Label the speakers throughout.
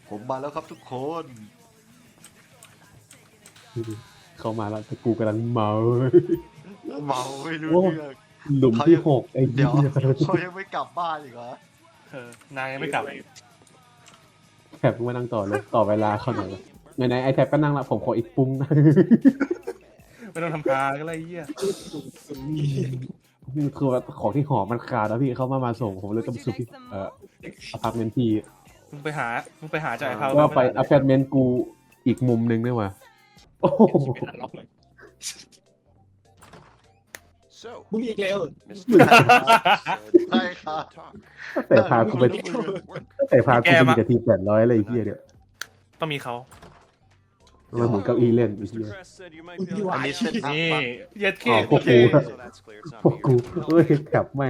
Speaker 1: ผมมาแล้วครับทุกคน
Speaker 2: เข้ามาแล้วแต่กูกำลังเมา
Speaker 1: เมาไม่รู้เรื่อง
Speaker 2: หลุมที่หกไอ้
Speaker 1: เดี๋ยว
Speaker 2: เหี้ย
Speaker 1: เขายังไม่กลับบ้านอีกเหรอน
Speaker 3: างยังไม่กลับ
Speaker 2: แถบมานั่งต่อเลยต่อเวลาเขาหน่อยไหนๆไอแท็บก็นั่งละผมขออีกปุ้งนะ
Speaker 3: ไม่ต้องทำคาก็ไรเหี้ย
Speaker 2: คือว่าของที่หอมันขาดแล้วพี่เขามาส่งผมเลยต้องไปสู่ที่อพาร์ตเมนต์พี่
Speaker 3: มึงไปหาจ่ายเขา
Speaker 2: ว่าไปอพาร์ตเมนต์กูอีกมุมนึงด้วยว่ะโอ้โห
Speaker 4: มึงอีกแล้ว
Speaker 1: ใช่ครับ
Speaker 2: แต่พากูไปแต่พากูไปมีแต่ที800อะไรไอ้เหี้ยเนี่ย
Speaker 3: ต้องมีเขา
Speaker 2: มันเหมือนเก้าอี้เล่นไอ้เหี้ย
Speaker 1: อันนี้เส้นทาง
Speaker 3: นี่
Speaker 1: ปะ
Speaker 3: เย็ดเค
Speaker 2: พวกกูพวกกูเอ้ยแถบแม่ง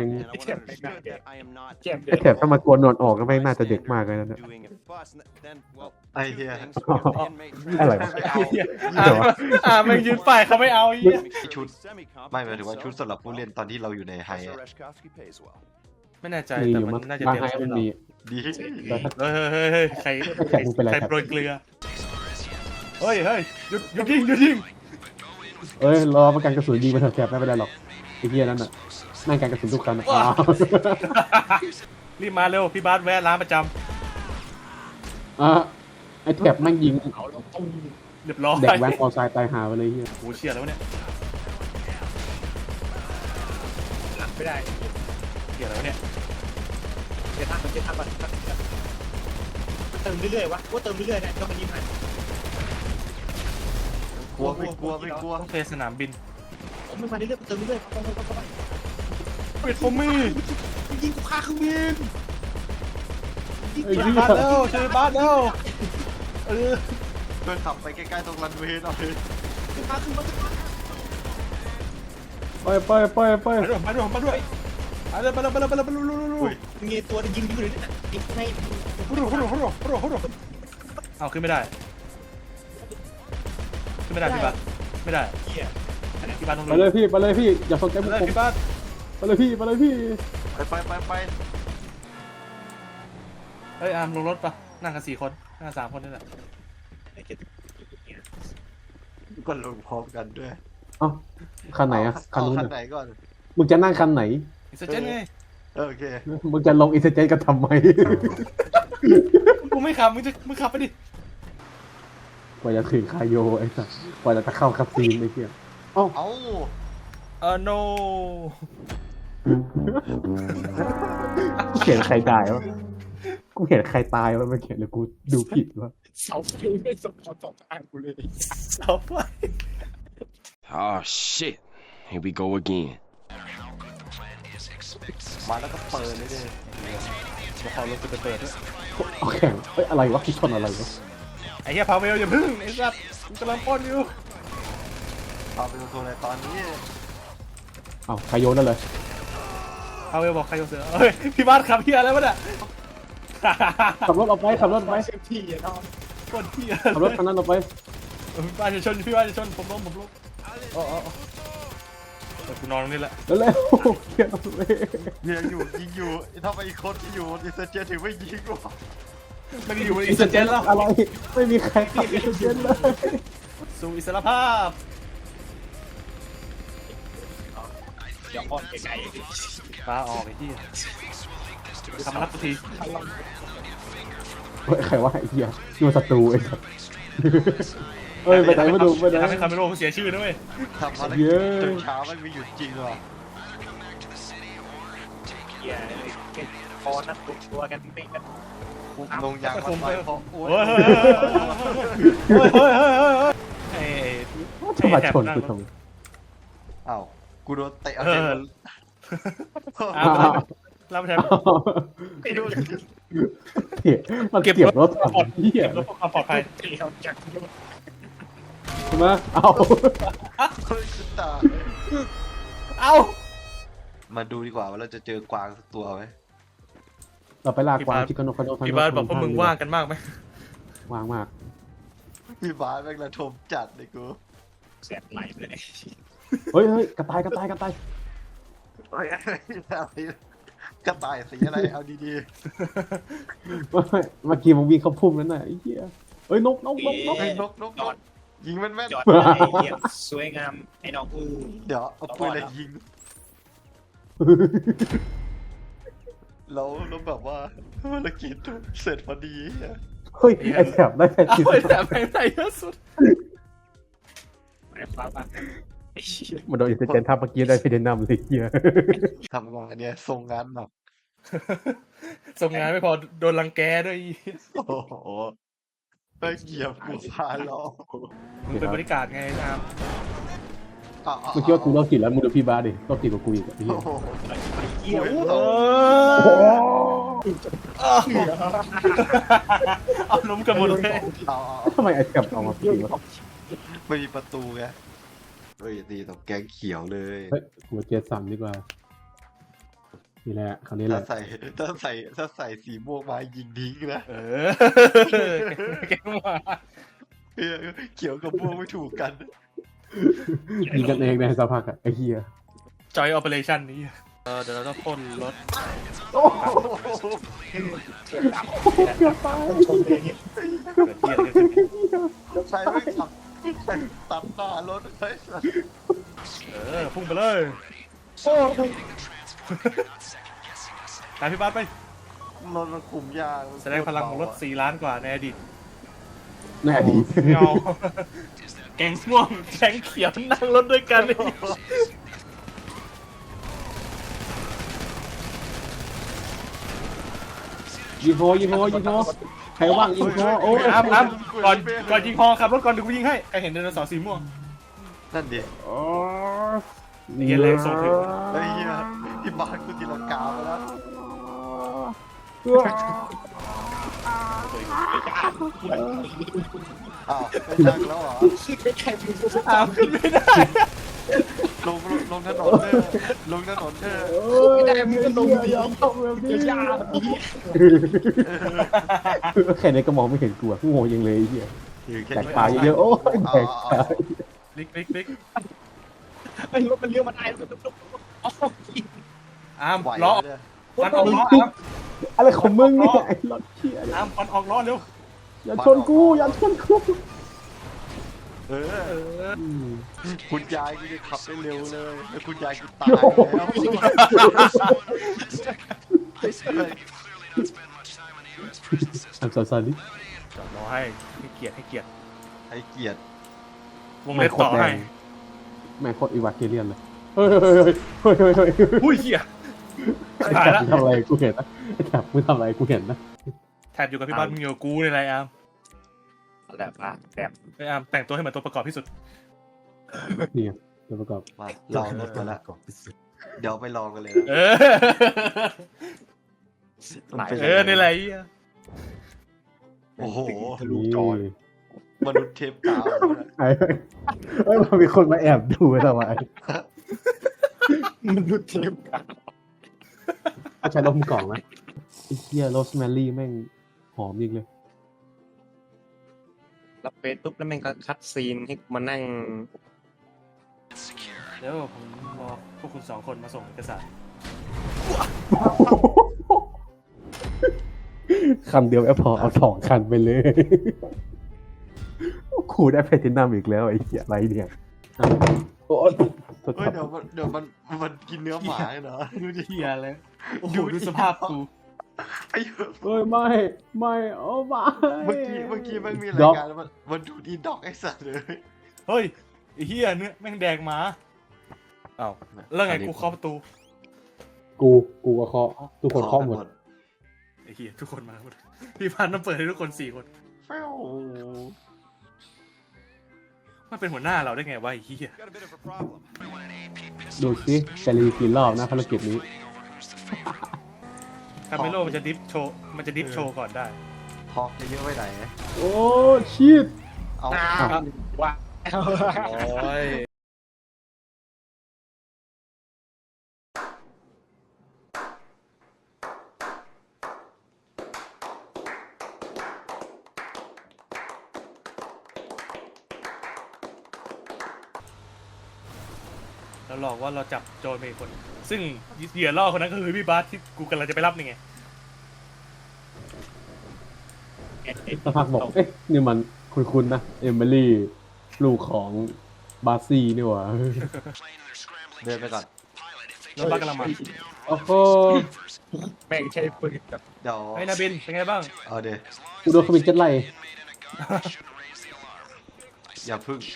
Speaker 2: ไอแถบถ้ามากวนนอนออกก็แม่งน่าจะเด็กมากเลยนะเนี่ย
Speaker 1: ไอ้เหี้ย
Speaker 2: อะไรวะ
Speaker 3: มันยืนป้ายเขาไม่เอาไอ้เหี้ย
Speaker 1: ชุดไม่หมายถึงว่าชุดสำหรับผู้เล่นตอนที่เราอยู่ในไฮอะ
Speaker 3: ไม่แน่ใจ
Speaker 2: มีอ
Speaker 3: แต่
Speaker 2: ยู่
Speaker 3: มั
Speaker 2: มั้ง
Speaker 3: นน่าจะ
Speaker 2: บาง
Speaker 3: เตรียม
Speaker 2: ไฮมันมี
Speaker 1: ดี
Speaker 2: แล้วถ้า
Speaker 3: เฮ้ยใคร
Speaker 2: แขกมึงเป็นไร
Speaker 3: ใคร
Speaker 2: ครับ
Speaker 3: โปรยเกลือเฮ้ยหยุดยิง
Speaker 2: เอ้ยรอประกันกระสุนยิงมาเถอะแถบไม่เป็นไรหรอกไอ้เหี้ยนั่นน่ะนั่งการกระสุนทุกครั้งอ้าว
Speaker 3: รีบมาเร็วพี่บาสแวะร้านประจ
Speaker 2: ไอแถบแม่งยิง
Speaker 3: ำเรียบร้อย
Speaker 2: เด็กแว้นออไซด์ตายหาไปเลยเหี้ย
Speaker 3: โอ้เชี่ยแล้วเนี่ย
Speaker 4: ไม่ได้
Speaker 3: เชี่ยแล้วเนี่ย
Speaker 4: เจะทำก่อนเติมเรื่อยๆวะว่าเติมเรื่อยๆนะก็มันยิ้มหัน
Speaker 1: กลัวไม่กลัวไม่กลัว
Speaker 3: ต้องเทสนามบิน
Speaker 4: ผมไม่มาเรื่อยๆเติมเรื่อยๆเข้าไป
Speaker 3: ปิดฟอมี่
Speaker 4: ยิงกูฆ่าเครื่องบิน
Speaker 2: ไอ้
Speaker 3: ช่วย
Speaker 2: เหี้ย
Speaker 3: บาสแล้วเออ
Speaker 1: เพื่อนขับไปใกล้ๆตรงรันเวย์หน่อย
Speaker 4: ฆ่าเครื่องบิน
Speaker 2: ไป
Speaker 3: มาด้วยมาเลย
Speaker 4: มีตัวยิงอยู่เลยนะยิงใน
Speaker 3: เอาขึ้นไม่ได้พี่บาสไม่ได้
Speaker 4: เหี้ย
Speaker 3: พี่บาสต้อง
Speaker 2: ไปเลยพี่อย่าสนใจพวกผม
Speaker 3: พี่บาส
Speaker 2: ไปเลยพี่
Speaker 1: ไป
Speaker 3: เฮ้ยอาร์มลงรถปะนั่งกัน4 คนนั่ง3 คนนี่แหละ
Speaker 1: ก็ลงพร้อมกันด้วย
Speaker 2: เอ้าคันไหนอะคันนู้น
Speaker 1: คัน
Speaker 2: อะ
Speaker 1: ไหนก่อน
Speaker 2: มึงจะนั่งคันไหน
Speaker 3: อิสเจนไง
Speaker 1: โอเค
Speaker 2: มึงจะลงอินเตอร์เจนกันทำไม
Speaker 3: กูไม่ขับมึงขับไปดิ
Speaker 2: กว่าจะถึงคายโยไอ้สัสกว่าจะเข้าคับซีนไอ้เหี้ยเอ้า
Speaker 1: เอ้า
Speaker 3: no
Speaker 2: กูเขียนใครตายวะกูเห็นใครตายวะไม่เขียนเลยกูดูผิดวะ
Speaker 4: เสาไฟไม่สมพรสองทางกูเลย
Speaker 3: เสาไฟ
Speaker 5: Oh shit. Here we go again.
Speaker 1: มาแล้วก็เปิดเลยดิ
Speaker 3: มาขอรถกูเปิดด้วย
Speaker 2: เอาแข่งเอ้ยอะไรวะที่ชนอะไรวะ
Speaker 3: ไอ้เหี้ยพาเวลอย่าพึ่งไอ้สัสกูกำลังป้อนอยู่
Speaker 1: เอาไปตัวในตอนนี้
Speaker 2: เอ้าคายโยนั่นเลย
Speaker 3: พาเวลบอกใครโยนเสือเฮ้ยพี่บาสขับเหี้ยอะไรวะเนี่ย
Speaker 2: ขับรถออกไป
Speaker 4: เซฟตี้อะน้อง
Speaker 3: คนเหี้ย
Speaker 2: ขับรถคันนั้นออกไป
Speaker 3: พี่บาสจะชนผมล้มอ๋อกูนอนตรงนี้แหละ
Speaker 2: เร็วๆเขียนเอาเลย
Speaker 1: ยิงอยู่ถ้าไปอีกคนที่อยู่อินเตอร์เจนถึงไม่ยิงหรอก
Speaker 3: ไม่ได้อยู่ในอิสเจนแล้ว
Speaker 2: อะไรไม่มีใครขับอินเตอร์เจนเลย
Speaker 3: สู่อิสรภาพ
Speaker 4: เดี๋ยวอ่อนไกล
Speaker 3: ปลาออกไอ้เหี้ยทำมารับกูที
Speaker 2: เฮ้ยใครว่าไอ้เหี้ยดูศัตรูไอ้สัสเฮ้ยไปไหนมาดูไปไหน
Speaker 3: ทำให้คาเมโร่เสียชื่อนะเว้ย
Speaker 1: ทำภารกิจจนเช้าไม่มีหยุดจริงหรอ
Speaker 4: ๆเหี้ยเก็บคอนัดตัวกันเป๊ะกัน
Speaker 1: ลงยางมาไปเพราะโอ้
Speaker 3: เฮ้
Speaker 1: ย
Speaker 3: ย
Speaker 2: จะมาชนกูทำไม
Speaker 1: อ้าวกูโดนเตะ
Speaker 3: เออ รับแทน
Speaker 4: ไม่รู้
Speaker 2: เหี้ยมันเก็บรถถังเหี้ย
Speaker 3: รถความปลอดภัย
Speaker 4: เที่ยวจาก
Speaker 2: ใช่ไหมเอา
Speaker 1: เฮ้ยคุณตา
Speaker 3: เอ้า
Speaker 1: มาดูดีกว่าว่าเราจะเจอกวางสักตัวไหม
Speaker 2: เราไปลากกวางชิคานโนคาโน
Speaker 3: พี่บาสบอกพวกมึงว่างกันมากไหม
Speaker 2: ว่างมาก
Speaker 1: พี่บาสแม่งระทมจัดเลยกู
Speaker 4: แสบไหลเลย
Speaker 2: เฮ้ยกระต่าย
Speaker 1: โอ้ยอะไรกระต่ายสีอะไรเอาดี
Speaker 2: ไม่เมื่อกี้มึงวิ่งเข้าพุ่มนั้นน่ะไอ้เหี้ยเอ้ยนก
Speaker 1: ๆไอ้นกยิงแม่น
Speaker 4: จอดไอ้เหี้ยสวยงามไอ้น้องกู
Speaker 1: ๆเดี๋ยวเอาปืนอะไรยิงแล้วแบบว่าภารกิจเสร็จพอดีอะ
Speaker 2: เฮ้ยไอ้แถบได้แค่
Speaker 3: เอา
Speaker 2: ชิ้น
Speaker 3: ไปแต่แม่งได้เยอะสุด
Speaker 4: ไอ้ฟ้าบ้าไอ้เหี้ย
Speaker 2: มันโดนอินเตอร์เจนทับเมื่อกี้ได้เพดนัมเลยเหี้ย
Speaker 1: ทำงานเนี่ยส่งงานหนัก
Speaker 3: ส่งงานไม่พอโดนรังแกด้วย
Speaker 1: โอ้โหไปเกี่ยวกูพาล้อ
Speaker 3: มึงเป็นบริการไงนะครับ
Speaker 2: เมื่อกี้ว่ากูโรคจิตแล้วมึงดูพี่บาสดิโรคจิตกว่ากูอีกอ่ะไอ้เหี้ย
Speaker 1: โอ้โห
Speaker 4: ไอ้เหี้ย
Speaker 3: เอาล้มกันหมดเลย
Speaker 1: เอา
Speaker 2: ทำไมไอ้แถบออกมาปีวะ
Speaker 1: ไม่มีประตูไงเฮ้ยดีต้องแกงเขียวเลย
Speaker 2: เฮ้ยหัวเจสันดีกว่านี่แหละคราวนี้แห
Speaker 1: ถ้า
Speaker 2: ละ
Speaker 1: ใส่สีม่วงมายิงทิ้งนะ
Speaker 3: เออแกงมา
Speaker 1: เออเขียวกับม่วงไม่ถูกกัน
Speaker 2: ยิงกันเองในสภาพอะไอ้เหี้ย
Speaker 3: จอยออเปอเรชั่นนี้เดี๋ยวเราต้องพ่นรถ
Speaker 2: โอ้โหเกือบตาย
Speaker 4: ชมเลยเนี่ย
Speaker 3: เกิดเหี้ยอะไรขึ้น
Speaker 1: ใช้ไม่ขับตัดหน้ารถเฮ้ย
Speaker 3: พุ่งไปเลยตามพี่บ้านไป
Speaker 1: รถมันคุมยาก
Speaker 3: แสดงพลังของรถ4 ล้านกว่าในอดีต
Speaker 2: ในอดีต
Speaker 3: เงาแกงม่วงแกงเขียวนั่งรถด้วยกันเลย
Speaker 2: ยิงโฮใครว่างยิงโฮโอ้ย
Speaker 3: อ้ำก่อนยิงฮอขับรถก่อนเดี๋ยวกูยิงให้ใครเห็นไดโนเสาร์สีม่วง
Speaker 1: นั่นดิ
Speaker 2: อ๋อ
Speaker 3: เหี้ยแรงส่งถึง
Speaker 1: เฮ้ยที่บ้านกูตีลังกาไปแล้วอ้าวไม่ชักแล้วเหรอ
Speaker 4: ไม่ใช่มึงกู
Speaker 3: อ้าวขึ้นไม่ได้
Speaker 1: ลงถนนเถอะลงถนนเถอะ
Speaker 4: ไม่ได้มึงก็ลงยอมยาแบบนี้
Speaker 2: แค่ในก็มองไม่เห็นกูอะโง่ยังเลยไอ้เหี้ย
Speaker 1: อยู่แค่
Speaker 2: แตกปลาเยอะๆโอ้ยแตกปลา
Speaker 3: ลิก
Speaker 4: ไอ้รถมันเลี้ยวมาได้แบบอ๋อ
Speaker 3: อ้าม
Speaker 1: ไหว
Speaker 3: ล้อ
Speaker 1: เนี่ย
Speaker 3: ฟันออกล้ออ้าม
Speaker 2: อะไรของมึงเนี่ยไอ้รถเชี่ย
Speaker 3: อ้ามฟันออกล้อเร็ว
Speaker 2: อย่าชนกูอย่าชนกู
Speaker 1: เออคุณยายกูจะขับได้เร็วเลยแล้วคุณยายกูตายแล้ว
Speaker 2: อันซาลิ
Speaker 3: จอดรอให้เกียรติ
Speaker 1: ให้เกียรติ
Speaker 3: วงเล็บต่อให้
Speaker 2: แม่งโคตรอีวาเกเลียนเลยเฮ้ย
Speaker 3: อุ้ยเหี้ยตายละ
Speaker 2: มึงทำอะไรกูเห็นนะไอ้แถบมึงทำอะไรกูเห็นนะ
Speaker 3: แทบอยู่กับพี่บ้านมึงอยู่กับกูในไรอ้าม
Speaker 4: แบบแบบ
Speaker 3: ไอ้อ้ามแต่งตัวให้เหมือนตัวประกอบที่สุด
Speaker 2: นี่ไงตัวประกอบ
Speaker 1: มาลองรถมาแล้วเดี๋ยวไปลองกันเลย
Speaker 3: เอ
Speaker 1: นะ
Speaker 3: ในไรเหี้ย
Speaker 1: โอ้โห
Speaker 2: นี่
Speaker 1: มนุษย์เทปกาว
Speaker 2: ไอ้เฮ้ยมันมีคนมาแอบดูทำไม
Speaker 4: มันดูเจ็บกัน
Speaker 2: ถ้าใช้ลมกล่องนะไอ้เหี้ยโรสแมรี่แม่งหอมจริงเลย
Speaker 4: รับเฟซปุ๊บแล้วแม่งก็คัดซีนให้มานั่ง
Speaker 3: เดี๋ยวผมรอพวกคุณ2 คนมาส่งเอกสาร
Speaker 2: คันเดียวแอปพอเอา2 คันไปเลยคูได้แพลตินัมอีกแล้วไอ้เหี้ยอะไรเนี่ยโอ้ย
Speaker 1: เฮ้ยเดี๋ยวมันกินเนื้อหมาเหรอดูดิ
Speaker 3: เหี้ยเลยโอ้โหดูสภาพกู
Speaker 1: ไอ้
Speaker 2: เฮ้ยไม่โอ้ไม่
Speaker 1: เมื่อกี้มันมีรายการมันดูดีด็อกไอ้สัตว์เลย
Speaker 3: เฮ้ยไอ้เหี้ยเนื้อแม่งแดงหมาอ้าวแล้วไงกูเคาะประตู
Speaker 2: กูก็เคาะทุกคนเคาะหมด
Speaker 3: ไอ้เหี้ยทุกคนมาหมดพี่พันต้องเปิดให้ทุกคน4 คน
Speaker 1: แฟ้ว
Speaker 3: มันเป็นหัวหน้าเราได้ไงวะไอ้เหี้ย
Speaker 2: ดูสิจะรีกี่รอบนะภารกิจนี้
Speaker 3: คาเมโลมันจะดิฟโชว์ก่อนได้
Speaker 1: ฮอกเยอะไว้ไหน
Speaker 2: โอ้ชีต
Speaker 1: เอา
Speaker 4: ว่า
Speaker 3: โอ้ยแล้วหลอกว่าเราจับโจรไปอีกคน ซึ่งเหยื่อล่อคนนั้นก็คือพี่บาสที่กูกำลังจะไปรับนี่ไง
Speaker 2: สักพักบอกเอ๊ะนี่มันคุ้นๆนะเอมิลี่ลูกของบาร์ซี่นี่หว่า
Speaker 1: เดินไปก่อน
Speaker 3: แล้วบาสกำลังมา
Speaker 2: โอ้โห
Speaker 4: แม่งใช้ปืนกับ
Speaker 1: เดี๋ยว
Speaker 3: ไอ้นาบินเป็นไงบ้าง
Speaker 1: เอาเดี๋ยว
Speaker 2: กูโดนขมินเจ็ดไล่
Speaker 1: อย่าพึ่ง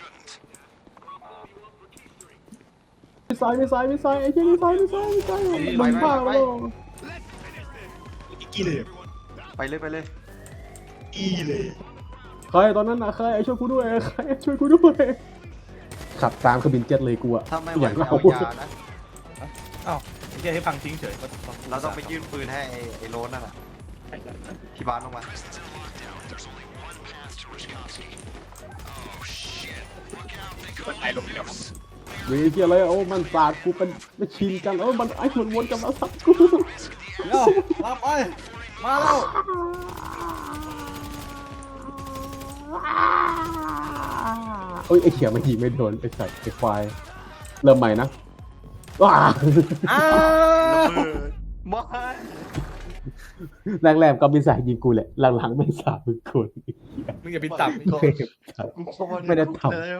Speaker 2: ไม่ซ้ายไอ้เจ้าไม่ซ้ายมึงบ้าแล้ว
Speaker 4: อีกี้เลย
Speaker 1: ไปเลย
Speaker 4: อีเลย
Speaker 2: ใครตอนนั้นนะใครช่วยกูด้วยใครช่วยกูด้วยขับตามขบินเจ็ตเลยกูอะ
Speaker 1: ถ้าไม่ไหว
Speaker 2: อย่าง
Speaker 1: ก็
Speaker 2: เรา
Speaker 1: เอายานะ
Speaker 3: อ้าวไอ้เหี้ยให้พังทิ้งเฉย
Speaker 1: เราต้องไปยื่นปืนให้ไอ้โรนนั่นน่ะที่บ้านลงมา
Speaker 4: มันตายลงแล้ว
Speaker 2: เฮ้ยเกี่ยอะไรโอ้มันสาดกูเป็นไม่ชินกันมันไอ้วนกันมาสับกู
Speaker 3: เดี๋ยวรับไอ้มาแล้ว
Speaker 2: เอ้ยไอ้เขียมันยิงไม่โดนไอ้สัตว์ไอ้ควายเริ่มใหม่นะว้า
Speaker 1: ไม่
Speaker 2: แรกๆก็มีสายยิงกูแหละหลังๆไม่สาดมึงคน
Speaker 3: มึงอย่าบินต่ำ
Speaker 2: ไม่ได้ทำ
Speaker 1: แล้ว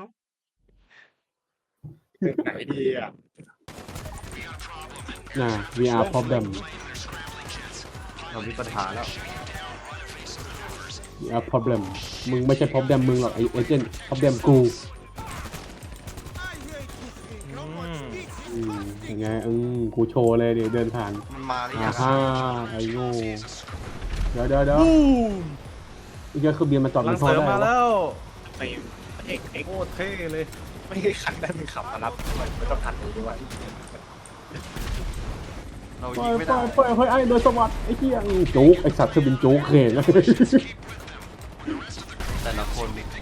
Speaker 4: ไหนดีอ่ะ
Speaker 2: นะ VR problem
Speaker 1: เรามีปัญหาแล้ว
Speaker 2: VR problem มึงไม่ใช่ problem มึงหรอกไอ้เอเจนต์ problem กูยังไงกูโชว์เลยเดี๋ยวเดินผ่าน
Speaker 1: มันมาหรือยัง
Speaker 2: ฮ่าไอ้โง่เดี๋ยวไอ้เจ้าคือเบียร์มาจอด
Speaker 3: หลั
Speaker 2: มั
Speaker 3: ง
Speaker 2: นท่อ
Speaker 3: เสริม
Speaker 2: ได้
Speaker 3: มาแล้ว
Speaker 4: ไม่เอก
Speaker 3: โคตรเท่เลย
Speaker 4: ไม่ให้ขันได้มึงขับมารับไม่ต้องขันเลยด้วย
Speaker 1: เรา
Speaker 2: ปล่
Speaker 1: ยิ
Speaker 2: อง ย
Speaker 1: ไม่
Speaker 2: ปล่
Speaker 1: ได้
Speaker 2: อยปล่อยไอ้โดยสวัสดิ์ไอ้เหี้ยจุกไอ้สัตว์คือเป็นจุกเข่งนะ
Speaker 1: แต่ละคนนี่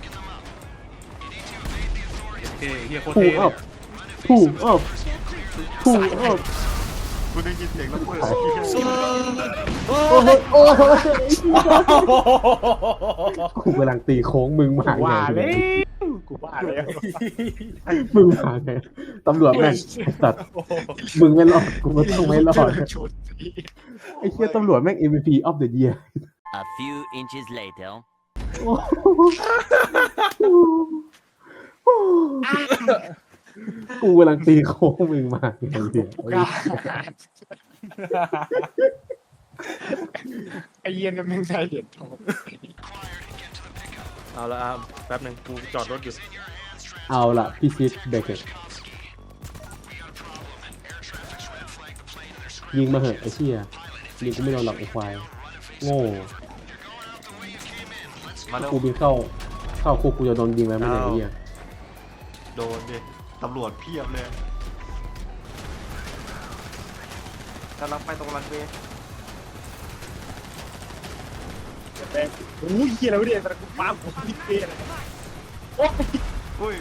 Speaker 3: เท่เฮียโคตร
Speaker 2: ถู
Speaker 3: เท่
Speaker 2: กอัพถูกอัพ
Speaker 1: คุณได้ยินเสียงแล้วเปิด
Speaker 2: โอ้ยกูกำลังตีโค้งมึงมาไง
Speaker 4: กูว่าแล้ว
Speaker 2: มึงมาไงตำรวจแม่งสัตว์มึงไม่รอดกูก็ต้องไม่รอด
Speaker 4: ชุด
Speaker 2: ไอ้เหี้ยตำรวจแม่ง MVP of the year
Speaker 6: A few inches later.
Speaker 2: กูกำลังตีโค้งมึงมาไงเนี่ย
Speaker 4: ไอเย็นมันไม่ใช่เหรียญทอง
Speaker 3: เอาละแป๊บหนึ่งกูจอดรถอยู่
Speaker 2: เอาล่ะพี่ซิดเบเกตยิงมาเหอะไอ้เชี่ยยิงกูไม่โดนหรอกไอ้ควายโง่
Speaker 1: มาแล้ว
Speaker 2: กูบินเข้าคุกกูจะโดนยิงแล้วไม่ได้ไอ้เหี้ย
Speaker 1: โดนดิตำรวจเพียบเลยกำลังไปตรงรันเวย์
Speaker 4: โอ้ยเฮียแล้วเนี่ยแต่กูป้าผมพิเศษเลยโอ้ย
Speaker 1: อุ้ย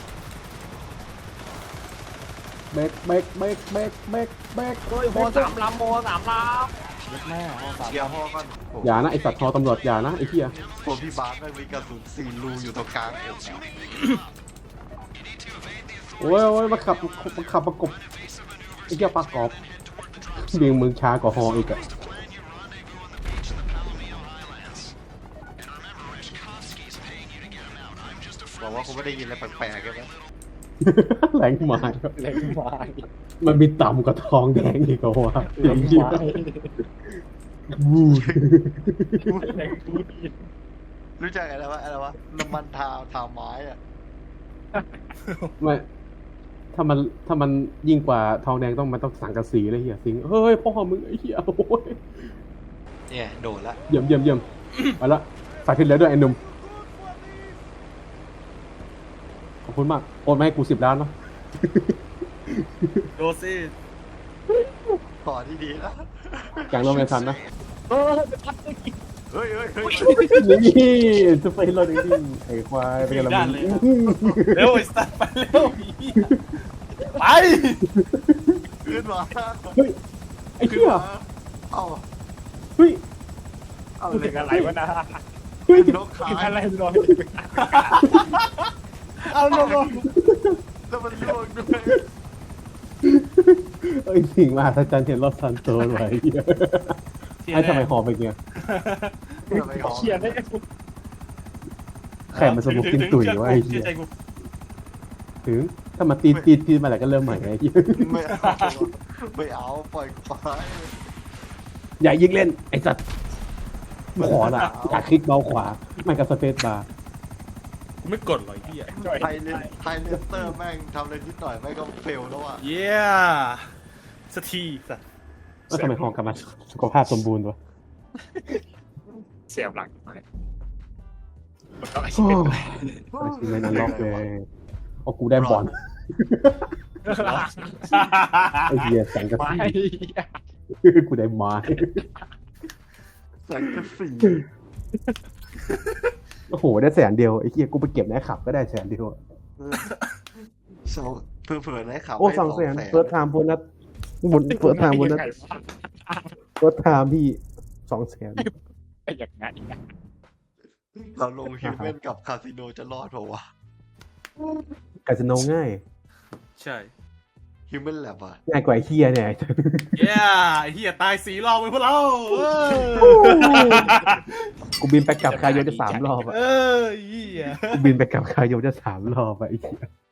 Speaker 2: เบก
Speaker 4: โอ้ยโมสามลำ
Speaker 3: แม่ห้องสาม
Speaker 1: เกียร์พ่อก่อนโอ้
Speaker 2: อย่านะไอ้สัตว์ทอตำรวจอย่านะไอ้เหี้ย
Speaker 1: ตัวพี่บาสแม่งมีกระสุน4 รูอยู่ตรงกลางอกอะ
Speaker 2: โอ้ยมาขับประกบไอ้เหี้ยปากกอบเบียงมึงช้ากว่าฮออีกอะ
Speaker 1: บอกว่าคุณไม่ได้ยินอะไรแปลกๆใช่ไหม
Speaker 2: แรงไม้
Speaker 4: แรงไม้
Speaker 2: มันมีต่ำกว่าทองแดงอีกเหรอวะ
Speaker 4: แรง
Speaker 2: เหี้ย
Speaker 4: ไม้
Speaker 2: วูด
Speaker 4: แรงกูดี
Speaker 1: รู้จักอะไรวะน้ำมันทาไม้อะ
Speaker 2: ไม่ถ้ามันยิ่งกว่าทองแดงมันต้องสังกะสีเลยเหี้ยสิงเฮ้ยพ่อมึงไอ้เหี้ยโอ้ย
Speaker 1: เนี่ยโดนละ
Speaker 2: เยี่ยมเอาละฝากขึ้นแล้วด้วยไอ้หนุ่มขอบคุณมากโอนมาให้กู10 ล้านเนาะ
Speaker 3: โดซี่
Speaker 1: ต่อที่ดีนะ
Speaker 2: กลางโรงเรียนทันนะ
Speaker 1: เฮ้ย
Speaker 2: นี่จะไปรถจริงๆไอ้ควายไปกันละมึง
Speaker 3: เร็วไอ้สัตว์ไปเร็วไป
Speaker 1: ขึ้นมา
Speaker 2: เฮ้ยไอ้เหี้ย
Speaker 1: เอ้า
Speaker 2: เฮ้ย
Speaker 1: เอา
Speaker 4: กู
Speaker 1: เล
Speaker 4: ถึ
Speaker 1: ย
Speaker 4: งอะไรวะนะ
Speaker 2: เฮ้ย
Speaker 1: นกขา
Speaker 4: ถึงอะไรรอย
Speaker 3: เอาลง
Speaker 1: แล้วมันล่วงด้วย
Speaker 2: เอ้ยสิ่งมหัศจรรย์เห็นรถซันโตไว้เหี้ยไอ้ทำไมหอบไปเงี้ย
Speaker 1: ไม่เอา
Speaker 4: เชียร์ได้
Speaker 2: แข่มันสมุกกินตุ๋ยวะไอ้เหี้ย
Speaker 3: ใจกู
Speaker 2: ถึงถ้ามาตีมาแล้วก็เริ่มใหม่ไอ้เหี้ย
Speaker 1: ไม่เอาไม่เอาปล่อยกูไป
Speaker 2: อย่ายิงเล่นไอ้สัตว์ขอละอยากคลิกเบาขวามันกับสเปซบาร์
Speaker 3: กูไม่กดหรอกไอ้เหี้ย
Speaker 1: ไทยเลสเตอร์แม่งทำอะไรนิดหน่อยแม่งก็เฟลแล้วอ่ะ
Speaker 3: เย้สักทีสัตว์
Speaker 2: แล้วทำไมหอกลับมาสุขภาพสมบูรณ์วะ
Speaker 4: เสียบหลังไปมันก็ไอ้
Speaker 2: โอ้
Speaker 4: เชี่ย
Speaker 2: ยไม่นันล็อกเลยเอากูได้บอลไอ้เหี้ยแสงกระ
Speaker 4: ไม่
Speaker 2: สีกูได้ไม้
Speaker 1: แสงกระสี
Speaker 2: โอ้โหได้100,000ไอ้เหี้ยกูไปเก็บในขับก็ได้100,000อะ
Speaker 1: สองเผื่อๆนะขับ
Speaker 2: โอ้200,000เฟิร์สไทม์โบนัสบนเฟิร์สไทม์โบนัสเฟิร์สไทม์พี่200,000
Speaker 4: ไอ้อย่างนั้น
Speaker 1: เราลงฮิวแมนกับคาสิโนจะรอดเปล่าวะ
Speaker 2: คาสิโนง่าย
Speaker 3: ใช่
Speaker 1: ฮิวแมนแลบอ่ะ
Speaker 2: ง่ายกว่าไอ้เหี้ยเนี่ย
Speaker 3: เย้ไอ้เหี้ยตาย4 รอบไปพวกเรา
Speaker 2: กูบินไปกลับคาโยจะ3 รอบอะ
Speaker 3: เออเหี้ย
Speaker 2: กูบินไปกลับคาโยจะ3 รอบอะไอ้เหี้ย